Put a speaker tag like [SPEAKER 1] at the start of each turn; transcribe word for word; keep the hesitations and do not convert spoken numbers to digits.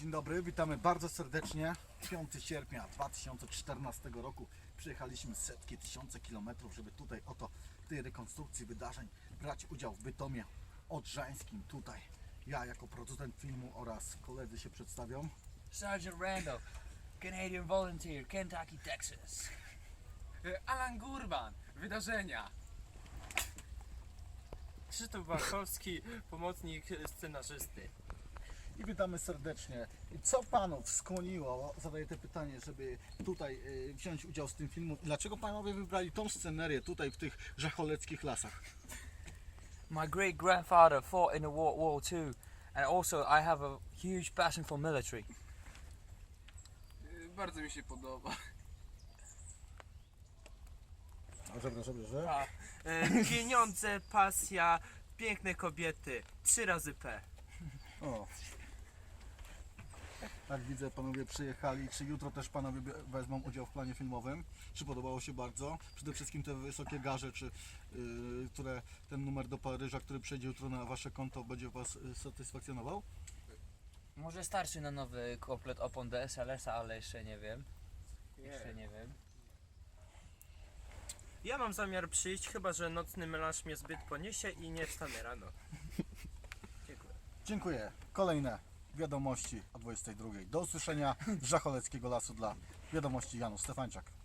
[SPEAKER 1] Dzień dobry, witamy bardzo serdecznie. piątego sierpnia dwa tysiące czternastego roku przyjechaliśmy setki, tysiące kilometrów, żeby tutaj oto w tej rekonstrukcji wydarzeń brać udział w Bytomie Odrzańskim. Tutaj ja jako producent filmu oraz koledzy się przedstawią.
[SPEAKER 2] Sergeant Randall, Canadian Volunteer, Kentucky, Texas.
[SPEAKER 3] Alan Gurban, wydarzenia.
[SPEAKER 4] Krzysztof Warszawski, pomocnik scenarzysty.
[SPEAKER 1] I witamy serdecznie. I co panów skłoniło, zadaję te pytanie, żeby tutaj y, wziąć udział w tym filmu? Dlaczego panowie wybrali tą scenerię tutaj w tych żacholeckich lasach?
[SPEAKER 2] My great grandfather fought in the World War Two, and also I have a huge passion for military.
[SPEAKER 3] Bardzo mi się podoba.
[SPEAKER 1] Dobrze, dobrze, dobrze.
[SPEAKER 4] A, e, pieniądze, pasja, piękne kobiety. Trzy razy P.
[SPEAKER 1] O. Tak widzę, panowie przyjechali. Czy jutro też panowie wezmą udział w planie filmowym? Czy podobało się bardzo? Przede wszystkim te wysokie garze, czy yy, które ten numer do Paryża, który przejdzie jutro na wasze konto, będzie was y, satysfakcjonował?
[SPEAKER 2] Może starszy na nowy komplet opon D S L S-a, ale jeszcze nie wiem. Jeszcze nie wiem.
[SPEAKER 4] Ja mam zamiar przyjść, chyba że nocny melanż mnie zbyt poniesie i nie wstanę rano. Dziękuję.
[SPEAKER 1] Dziękuję. Kolejne wiadomości o dwudziestej drugiej. Do usłyszenia z Żacholeckiego Lasu dla Wiadomości Janusz Stefańczak.